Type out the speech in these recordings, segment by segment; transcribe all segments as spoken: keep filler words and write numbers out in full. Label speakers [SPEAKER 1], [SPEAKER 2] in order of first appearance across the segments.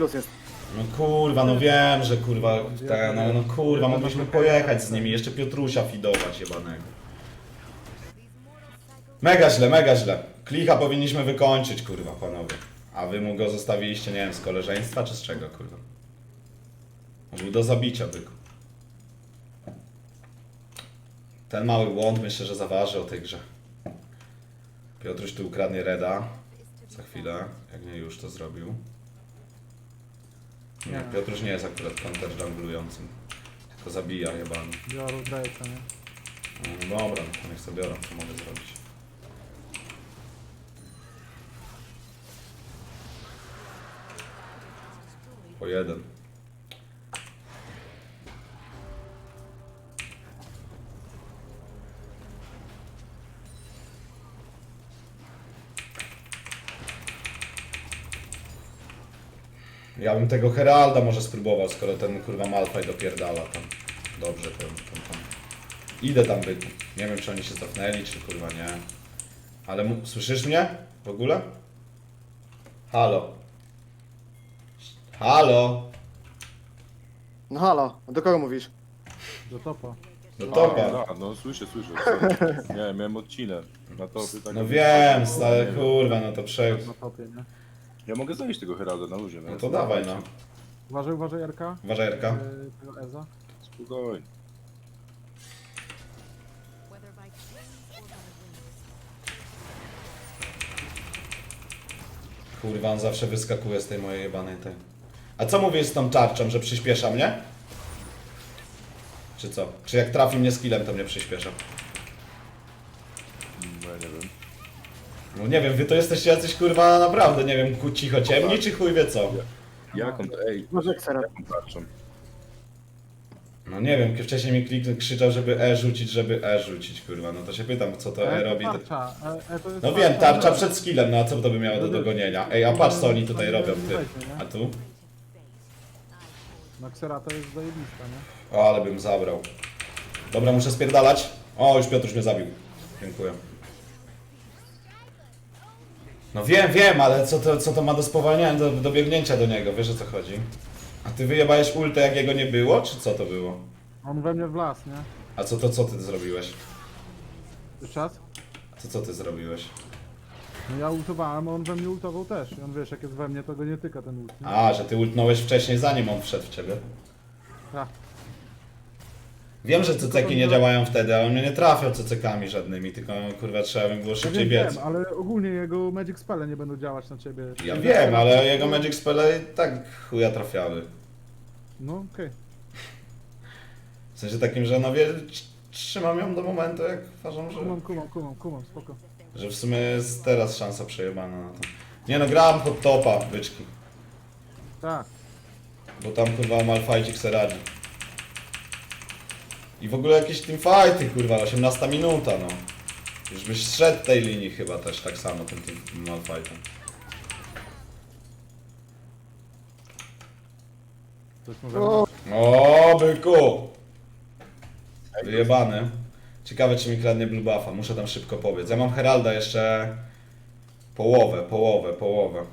[SPEAKER 1] plus jest.
[SPEAKER 2] No kurwa, no wiem, że kurwa, ta, no, no kurwa, mogliśmy pojechać z nimi, jeszcze Piotrusia fidować jebanego. Mega źle, mega źle. Klicha powinniśmy wykończyć, kurwa, panowie. A wy mu go zostawiliście, nie wiem, z koleżeństwa czy z czego, kurwa? Może był do zabicia, byku. Ten mały błąd myślę, że zaważy o tej grze. Piotruś tu ukradnie reda. Za chwilę, jak nie już to zrobił. Nie,
[SPEAKER 3] Nie.
[SPEAKER 2] Piotruś nie jest akurat counter junglującym. Tylko zabija jebany.
[SPEAKER 3] Biorę Drake'a, nie?
[SPEAKER 2] No dobra, no to niech sobie biorą, co mogę zrobić. Po jeden. Ja bym tego Heralda może spróbował, skoro ten kurwa Malphite dopierdala tam. Dobrze, to, to, tam. Idę tam bytu. Nie wiem, czy oni się cofnęli, czy kurwa nie. Ale mu... słyszysz mnie? W ogóle? Halo. Halo.
[SPEAKER 1] No halo, a do kogo mówisz?
[SPEAKER 3] Do topa.
[SPEAKER 2] Do
[SPEAKER 4] A,
[SPEAKER 2] topa.
[SPEAKER 4] no, no słyszę, słyszę. Co? Nie, miałem odcinek na topie. Tak
[SPEAKER 2] No wiem, ale kurwa, no to prze...
[SPEAKER 3] Na topie, nie?
[SPEAKER 4] Ja mogę zajść tego Heralda na luzie.
[SPEAKER 2] No to dawaj, no.
[SPEAKER 3] Uważaj, uważaj, Jarka.
[SPEAKER 2] Uważaj, Erka.
[SPEAKER 3] Yy, tego Eza.
[SPEAKER 4] Spokojnie.
[SPEAKER 5] whether by trees or by winds.
[SPEAKER 2] Kurwa, on zawsze wyskakuje z tej mojej jebanej tej. A co mówisz z tą tarczą, że przyspiesza mnie? Czy co? Czy jak trafi mnie skillem, to mnie przyspiesza?
[SPEAKER 4] No ja nie wiem.
[SPEAKER 2] No nie wiem, wy to jesteście jacyś kurwa naprawdę, nie wiem, ku cicho ciemni, czy chuj wie co?
[SPEAKER 4] Jaką to, ej,
[SPEAKER 1] Może ksera.
[SPEAKER 4] jaką tarczą?
[SPEAKER 2] No nie wiem, wcześniej mi klik krzyczał, żeby E rzucić, żeby E rzucić, kurwa, no to się pytam, co to E robi.
[SPEAKER 3] Tarcza. E, e, to jest
[SPEAKER 2] No wiem, tarcza
[SPEAKER 3] tarcza.
[SPEAKER 2] przed skillem, no a co to by miało do dogonienia? Ej, a patrz co oni tutaj robią, ty. A tu?
[SPEAKER 3] No Xerata jest zajebista, nie?
[SPEAKER 2] O, ale bym zabrał. Dobra, muszę spierdalać. O, już Piotruś mnie zabił. Dziękuję. No wiem, wiem, ale co to, co to ma do spowalniania, do, do biegnięcia do niego, wiesz o co chodzi? A ty wyjebałeś ultę jak jego nie było, czy co to było?
[SPEAKER 3] On we mnie wlazł, nie?
[SPEAKER 2] A co to, co ty zrobiłeś?
[SPEAKER 3] Już czas?
[SPEAKER 2] Co, co ty zrobiłeś?
[SPEAKER 3] No ja ultowałem, a on we mnie ultował też. I on wiesz, jak jest we mnie, to go nie tyka ten ult, nie?
[SPEAKER 2] A, że ty ultnąłeś wcześniej, zanim on wszedł w ciebie.
[SPEAKER 3] Tak.
[SPEAKER 2] Wiem, że ceceki nie działają wtedy, ale on mnie nie trafiał cecekami żadnymi, tylko kurwa trzeba by było
[SPEAKER 3] Ja
[SPEAKER 2] szybciej
[SPEAKER 3] wiem,
[SPEAKER 2] biec.
[SPEAKER 3] wiem, ale ogólnie jego Magic Spelle nie będą działać na ciebie.
[SPEAKER 2] Ja wiem, ale jego Magic Spele i tak chuja trafiały.
[SPEAKER 3] No okej.
[SPEAKER 2] W sensie takim, że no wie, trzymam ją do momentu, jak uważam, że,
[SPEAKER 3] Kumam, kumam, kumam, kumam, spoko.
[SPEAKER 2] że w sumie jest teraz szansa przejebana na to. Nie no, grałem pod topa, byczki.
[SPEAKER 3] Tak.
[SPEAKER 2] Bo tam kurwa Malfajcik se radzi. I w ogóle jakieś teamfighty, kurwa, osiemnasta minuta, no. Już byś zszedł tej linii chyba też tak samo tym, tym Malfightem.
[SPEAKER 3] Coś może...
[SPEAKER 1] O,
[SPEAKER 2] O, byku! Wyjebany. Ciekawe, czy mi kradnie blue buffa. Muszę tam szybko pobiec. Ja mam Heralda jeszcze... Połowę, połowę, połowę.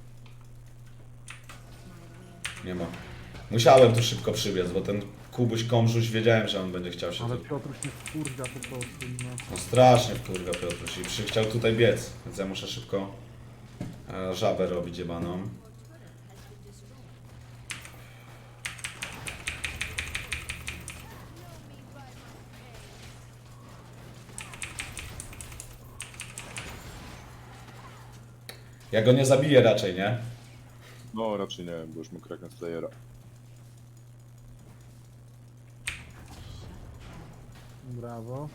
[SPEAKER 2] Nie ma. Musiałem tu szybko przybiec, bo ten Kubuś Komrzuś wiedziałem, że on będzie chciał się
[SPEAKER 3] Ale
[SPEAKER 2] tu...
[SPEAKER 3] Piotruś nie wkurwia po prostu, no.
[SPEAKER 2] No strasznie wkurwa Piotruś i przy, chciał tutaj biec, więc ja muszę szybko e, żabę robić jebaną. Ja go nie zabiję raczej, nie?
[SPEAKER 4] No raczej nie, bo już mu kraknę Slayera.
[SPEAKER 3] Brawo.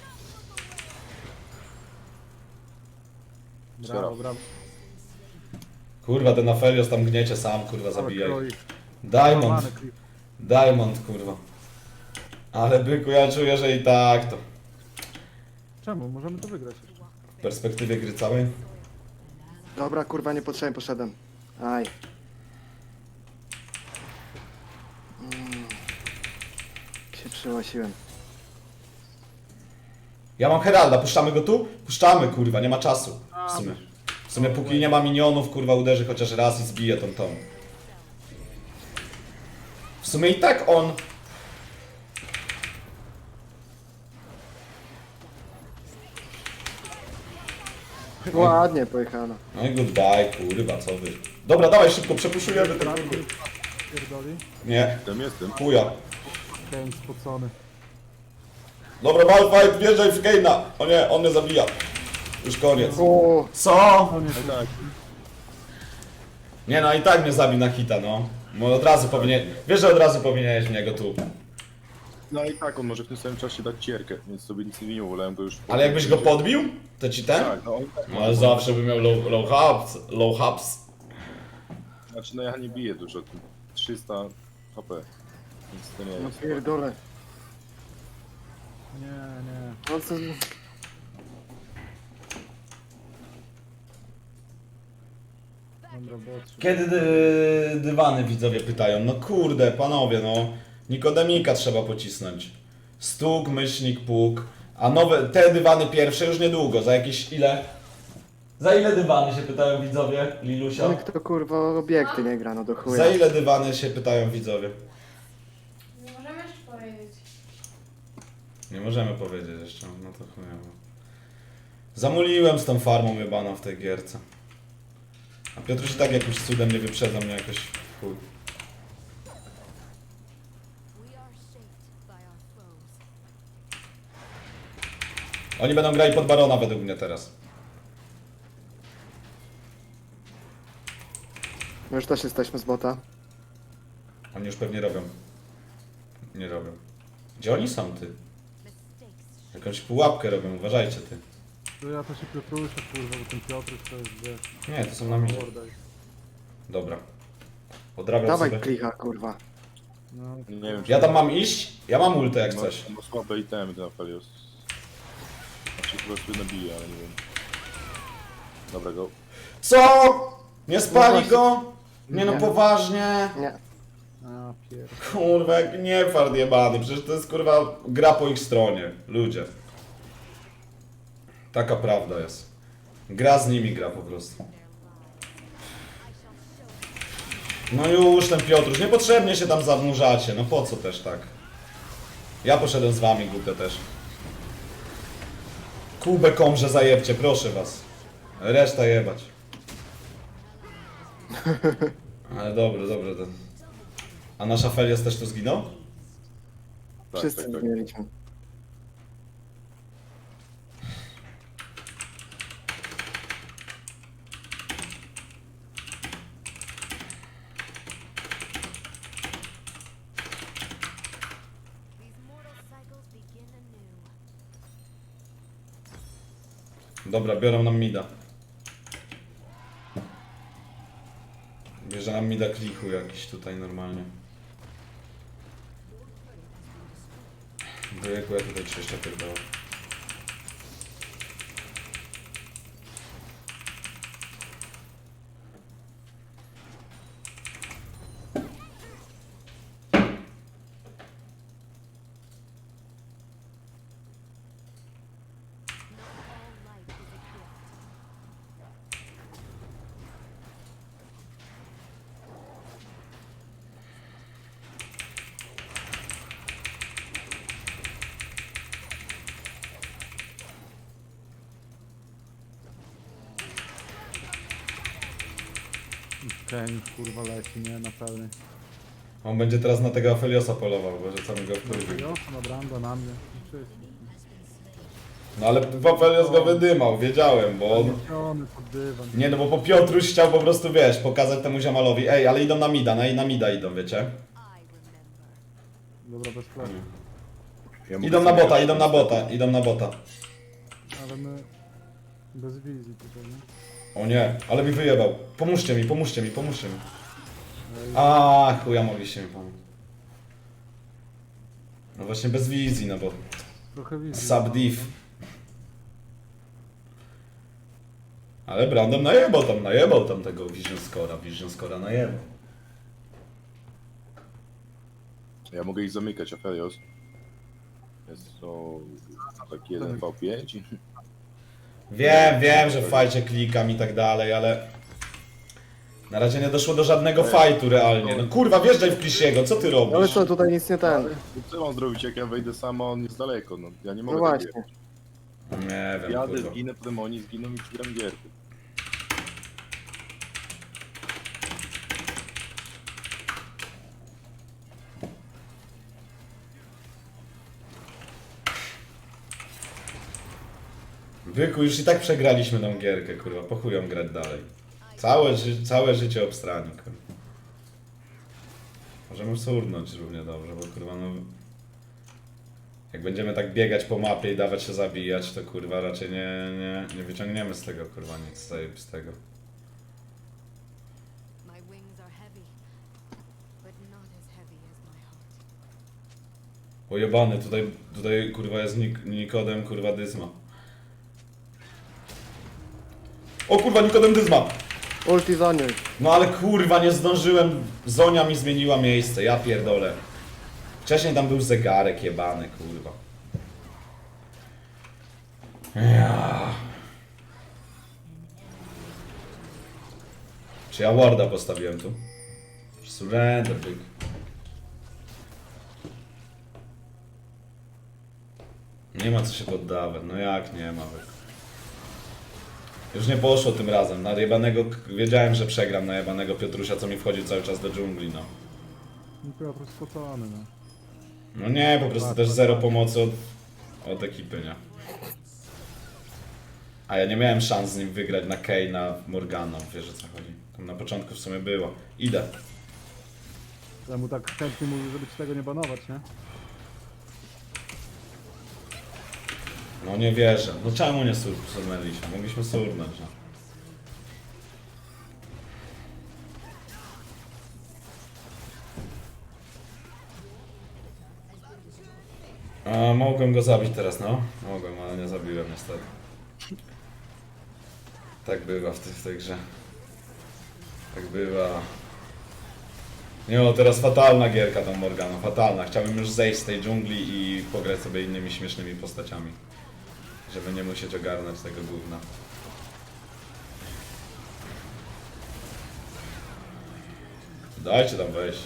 [SPEAKER 4] Sfera.
[SPEAKER 3] Brawo, brawo.
[SPEAKER 2] Kurwa, ten Aphelios tam gniecie sam, kurwa, zabijaj.
[SPEAKER 3] Kroi.
[SPEAKER 2] Diamond,
[SPEAKER 3] Złamany klip.
[SPEAKER 2] Diamond, kurwa. Ale byku, ja czuję, że i tak to.
[SPEAKER 3] Czemu? Możemy to wygrać.
[SPEAKER 2] W perspektywie gry całej.
[SPEAKER 1] dobra, kurwa, niepotrzebnie poszedłem. Aj. Mm. Się przyłasiłem.
[SPEAKER 2] Ja mam Heralda, puszczamy go tu? Puszczamy, kurwa, nie ma czasu. W sumie. W sumie póki nie ma minionów, kurwa, uderzy chociaż raz i zbije tą tą. W sumie i tak on...
[SPEAKER 1] Ładnie pojechano.
[SPEAKER 2] No i goodbye, kurwa, co wy. Dobra, dawaj szybko, przepuszujemy ten kurwy.
[SPEAKER 3] Pierdoli.
[SPEAKER 2] Nie,
[SPEAKER 4] Tam jestem.
[SPEAKER 2] chuja.
[SPEAKER 3] Kane spocony.
[SPEAKER 2] Dobra, Malfight, wjeżdżaj w Kane'a. O nie, on mnie zabija. Już koniec.
[SPEAKER 1] O,
[SPEAKER 2] Co?
[SPEAKER 3] No nie,
[SPEAKER 4] No tak.
[SPEAKER 2] Nie no, i tak mnie zabił na hita, no. Bo od razu powinien... Wiesz, że od razu powinieneś w niego tu.
[SPEAKER 4] No i tak, on może w tym samym czasie dać cierkę, więc sobie nic nie winiło, wolałem go już...
[SPEAKER 2] Ale jakbyś go podbił, to ci ten?
[SPEAKER 4] Tak, no on tak.
[SPEAKER 2] No ale zawsze by miał low, low hubs, low hubs.
[SPEAKER 4] Znaczy, no ja nie biję dużo, tu trzysta H P. Nic to nie
[SPEAKER 1] no
[SPEAKER 4] jest.
[SPEAKER 1] pierdolę.
[SPEAKER 3] nie, nie.
[SPEAKER 1] No co...
[SPEAKER 3] Dobra, botrze.
[SPEAKER 2] Kiedy dy, dywany widzowie pytają? No kurde, panowie, no. Nikodemika trzeba pocisnąć. Stuk, myślnik, puk. A nowe, te dywany pierwsze już niedługo, za jakieś ile? Za ile dywany się pytają widzowie, Lilusia?
[SPEAKER 1] Ale kto kurwa obiekty nie gra, no do chuja.
[SPEAKER 2] Za ile dywany się pytają widzowie?
[SPEAKER 6] Nie możemy jeszcze powiedzieć.
[SPEAKER 2] Nie możemy powiedzieć jeszcze, no to chujowo. Zamuliłem z tą farmą jebaną w tej gierce. A Piotruś i tak jakimś cudem nie wyprzedza mnie jakoś w chuj.
[SPEAKER 5] We are shaped by our foes.
[SPEAKER 2] Oni będą grali pod barona według mnie teraz.
[SPEAKER 1] My już też jesteśmy z bota.
[SPEAKER 2] Oni już pewnie robią. Nie robią. Gdzie oni są, ty?
[SPEAKER 5] Mistakes
[SPEAKER 2] Jakąś pułapkę robią, uważajcie, ty.
[SPEAKER 3] To ja to się Piotrusia, kurwa, bo ten Piotruś to jest, wiesz,
[SPEAKER 2] Nie, to są na mnie.
[SPEAKER 3] morda.
[SPEAKER 2] Dobra. Odrabiam
[SPEAKER 1] Dawaj
[SPEAKER 2] sobie.
[SPEAKER 1] klicha, kurwa.
[SPEAKER 3] No,
[SPEAKER 4] Nie wiem, czy...
[SPEAKER 2] Ja tam mam iść? Ja mam ultę jak
[SPEAKER 4] Ma,
[SPEAKER 2] coś.
[SPEAKER 4] ma słabe itemy ten Aphelios. Znaczy po prostu nabije, ale nie wiem. Dobra, go.
[SPEAKER 2] Co? Nie spali
[SPEAKER 1] No
[SPEAKER 2] go? Nie no
[SPEAKER 1] Nie.
[SPEAKER 2] poważnie.
[SPEAKER 1] Nie.
[SPEAKER 3] a pier...
[SPEAKER 2] Kurwa, jak nie fart jebany. Przecież to jest kurwa gra po ich stronie. Ludzie. Taka prawda jest. Gra z nimi gra po prostu. No już ten Piotruś, niepotrzebnie się tam zanurzacie, no po co też tak? Ja poszedłem z wami, głupio też. Kubę komrze zajebcie, proszę was. Reszta jebać. Ale dobre, dobre ten. A nasz Aphelios też tu zginął?
[SPEAKER 4] Tak,
[SPEAKER 1] Wszyscy
[SPEAKER 4] tak, tak.
[SPEAKER 1] zmieniliśmy.
[SPEAKER 5] These mortal cycles begin anew.
[SPEAKER 2] Dobra, biorą nam mida. Bierze nam mida klichu jakiś tutaj normalnie. Wyjeku, ja tutaj jeszcze pierdolę.
[SPEAKER 5] Not all life is a gift.
[SPEAKER 3] Kane, kurwa, leci, nie, na pełny.
[SPEAKER 2] On będzie teraz na tego Apheliosa polował, bo że co mi go wkurwił.
[SPEAKER 3] Jo, na Branda, na mnie. Wszyscy.
[SPEAKER 2] No ale Aphelios go wydymał, wiedziałem, bo on...
[SPEAKER 3] Zamieciony pod dywan.
[SPEAKER 2] Nie no, bo po Piotruś chciał po prostu, wiesz, pokazać temu ziomalowi. Ej, ale idą na mida, na, na mida idą, wiecie?
[SPEAKER 5] I remember.
[SPEAKER 3] Dobra, bez flash.
[SPEAKER 4] Ja mogę
[SPEAKER 2] Idą na
[SPEAKER 4] sobie-
[SPEAKER 2] bota, idą na bota, idą na bota.
[SPEAKER 3] Ale my... Bez wizji tutaj, nie?
[SPEAKER 2] O nie, ale mi wyjebał. Pomóżcie mi, pomóżcie mi, pomóżcie mi.
[SPEAKER 3] Ej,
[SPEAKER 2] A, chuja mogliście mi pomóc. No właśnie bez wizji, no bo...
[SPEAKER 3] trochę wizji.
[SPEAKER 2] Subdiv. Ale Brandon najebał tam, najebał tam tego Vision Scora, Vision Scora najebał.
[SPEAKER 4] Ja mogę ich zamykać, Aphelios. Jest to taki jeden V pięć.
[SPEAKER 2] Wiem, wiem, że w fajcie klikam i tak dalej, ale... Na razie nie doszło do żadnego fightu realnie. No kurwa, wjeżdżaj w Klisiego, co ty robisz?
[SPEAKER 1] Ale co, tutaj nic nie ten.
[SPEAKER 4] Co mam zrobić, jak ja wejdę sam, a on jest daleko, no. Ja nie
[SPEAKER 1] No
[SPEAKER 4] mogę tak
[SPEAKER 1] właśnie.
[SPEAKER 4] jechać.
[SPEAKER 2] Nie wiem,
[SPEAKER 4] Jadę,
[SPEAKER 2] kurwa.
[SPEAKER 4] zginę, potem oni zginą i przegram gierkę.
[SPEAKER 2] Byku, już i tak przegraliśmy tą gierkę, kurwa, po chuj ją grać dalej. Całe, ży całe życie obstrani, kurwa. Możemy surnąć równie dobrze, bo kurwa no... Jak będziemy tak biegać po mapie i dawać się zabijać, to kurwa raczej nie, nie, nie wyciągniemy z tego kurwa nic z tej- z tego.
[SPEAKER 5] My wings are heavy, but not as heavy as my heart.
[SPEAKER 2] Pojebany, tutaj, tutaj kurwa jest Nik Nikodem, kurwa Dyzma. O kurwa, Nikodem Dyzma!
[SPEAKER 1] Ulti Zoniuj.
[SPEAKER 2] No ale kurwa, nie zdążyłem, Zonia mi zmieniła miejsce, ja pierdolę. Wcześniej tam był zegarek jebany, kurwa. Ja. Czy ja warda postawiłem tu? Surrender, byk. Nie ma co się poddawać, no jak nie ma, byk. Już nie poszło tym razem, na jebanego, wiedziałem, że przegram na jebanego Piotrusia, co mi wchodzi cały czas do dżungli, no.
[SPEAKER 3] No Piotr spocony, no.
[SPEAKER 2] No nie, po prostu też zero pomocy od, od ekipy, nie? A ja nie miałem szans z nim wygrać na Kay, na Morgana, wiesz o co chodzi. Tam na początku w sumie było. Idę.
[SPEAKER 3] Ja mu tak chętnie mówił, żeby ci tego nie banować, nie?
[SPEAKER 2] No nie wierzę. No czemu nie sur surnęliśmy? Mogliśmy surnąć, no. A, mogłem go zabić teraz, no. Mogłem, ale nie zabiłem niestety. Tak bywa w, tej- w tej grze. Tak bywa. Nie no, teraz fatalna gierka tą Morgana, fatalna. Chciałbym już zejść z tej dżungli i pograć sobie innymi śmiesznymi postaciami. Żeby nie musieć ogarnąć tego gówna. Dajcie tam wejść.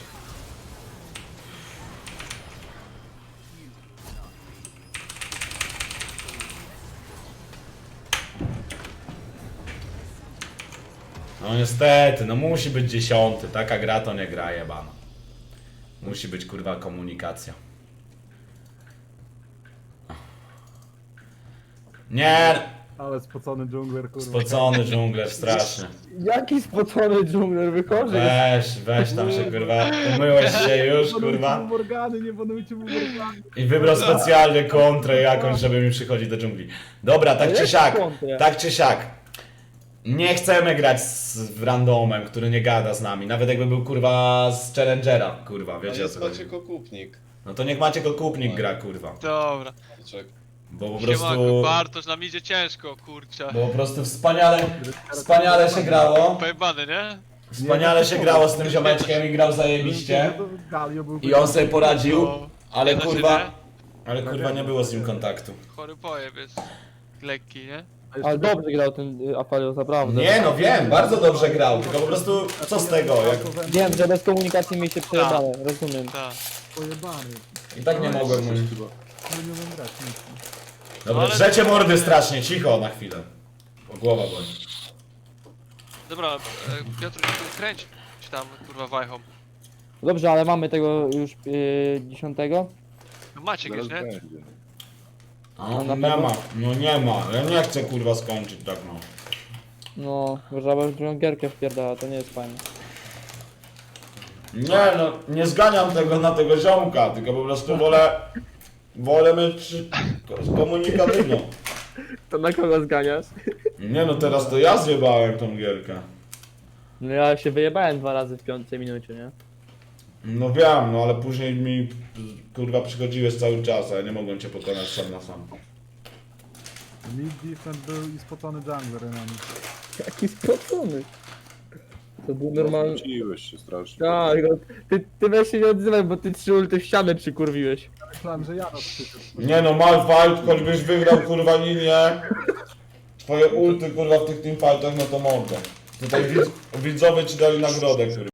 [SPEAKER 2] No niestety, no musi być dziesiąty. Taka gra to nie gra jebana. Musi być kurwa komunikacja. Nie!
[SPEAKER 3] Ale spocony dżungler, kurwa.
[SPEAKER 2] Spocony dżungler straszny.
[SPEAKER 7] Jaki spocony dżungler wychodzi?
[SPEAKER 2] Weź, weź tam się kurwa. Umyłeś się już kurwa.
[SPEAKER 3] Nie banujcie mu Morgany, nie banujcie mu Morgany.
[SPEAKER 2] I wybrał specjalnie kontrę jakąś, żeby mi przychodzić do dżungli. Dobra, tak
[SPEAKER 7] Ale
[SPEAKER 2] czy
[SPEAKER 7] jak
[SPEAKER 2] siak.
[SPEAKER 7] kontrę?
[SPEAKER 2] Tak czy siak. Nie chcemy grać z randomem, który nie gada z nami. Nawet jakby był kurwa z Challengera, kurwa, wiecie o
[SPEAKER 8] jest
[SPEAKER 2] co chodzi.
[SPEAKER 8] Maciek Okupnik.
[SPEAKER 2] No to niech macie go kupnik gra, kurwa.
[SPEAKER 9] Dobra.
[SPEAKER 8] Czek.
[SPEAKER 2] Bo po
[SPEAKER 9] Siemanko,
[SPEAKER 2] prostu...
[SPEAKER 9] Bartosz, nam idzie ciężko, kurczę.
[SPEAKER 2] Bo po prostu wspaniale, wspaniale się grało.
[SPEAKER 9] Pojebany, nie?
[SPEAKER 2] Wspaniale się grało z tym ziomeczkiem i grał zajebiście.
[SPEAKER 3] Galio był
[SPEAKER 2] I on sobie poradził,
[SPEAKER 9] No.
[SPEAKER 2] ale
[SPEAKER 9] Nie da się,
[SPEAKER 2] kurwa...
[SPEAKER 9] nie?
[SPEAKER 2] Ale kurwa nie było z nim kontaktu.
[SPEAKER 9] Chory pojeb jest. Lekki, nie?
[SPEAKER 7] Ale dobrze grał ten y, Apelios, naprawdę.
[SPEAKER 2] Nie no wiem, bardzo dobrze grał, tylko po prostu co z tego, jak...
[SPEAKER 7] Wiem, że bez komunikacji mi się przejebane, rozumiem.
[SPEAKER 9] Tak.
[SPEAKER 3] pojebany.
[SPEAKER 2] I tak nie mogłem mu...
[SPEAKER 3] No nie umiem grać, nic.
[SPEAKER 2] Dobra,
[SPEAKER 9] Ale-
[SPEAKER 2] drzecie mordy strasznie, cicho na chwilę. Bo głowa boli.
[SPEAKER 9] Dobra, e, Piotr, kręć ci tam, kurwa, wajchą.
[SPEAKER 7] Dobrze, ale mamy tego już y, dziesiątego.
[SPEAKER 9] No Maciek
[SPEAKER 4] Zaraz
[SPEAKER 9] jest, nie?
[SPEAKER 4] będzie.
[SPEAKER 2] No,
[SPEAKER 7] na
[SPEAKER 2] nie
[SPEAKER 7] pewno?
[SPEAKER 2] ma, no nie ma, ja nie chcę kurwa skończyć tak no.
[SPEAKER 7] No, żaba w drugą gierkę wpierdala, to nie jest fajne.
[SPEAKER 2] Nie no, nie zganiam tego na tego ziomka, tylko po prostu wolę... Wolę mieć komunikatywną.
[SPEAKER 7] To na kogo zganiasz?
[SPEAKER 2] Nie no, teraz to ja zjebałem tą gierkę.
[SPEAKER 7] No ja się wyjebałem dwa razy w piątej minucie, nie?
[SPEAKER 2] No wiem, no ale później mi kurwa przychodziłeś cały czas, a ja nie mogłem cię pokonać sam na sam.
[SPEAKER 3] Mid defense był i spocony jungler na nim.
[SPEAKER 7] Jaki spocony. To był normalny...
[SPEAKER 4] Wróciłeś się strasznie.
[SPEAKER 7] Tak, no, ty, ty weź się nie odzywaj, bo ty trzy ulty w ścianę przykurwiłeś.
[SPEAKER 3] Myślałem, że ja rozkrzyczył.
[SPEAKER 2] Nie no, Malfight, choćbyś wygrał kurwa linię, twoje ulty kurwa w tych teamfightach, no to mogę. Tutaj widz, widzowie ci dali nagrodę, kurwa.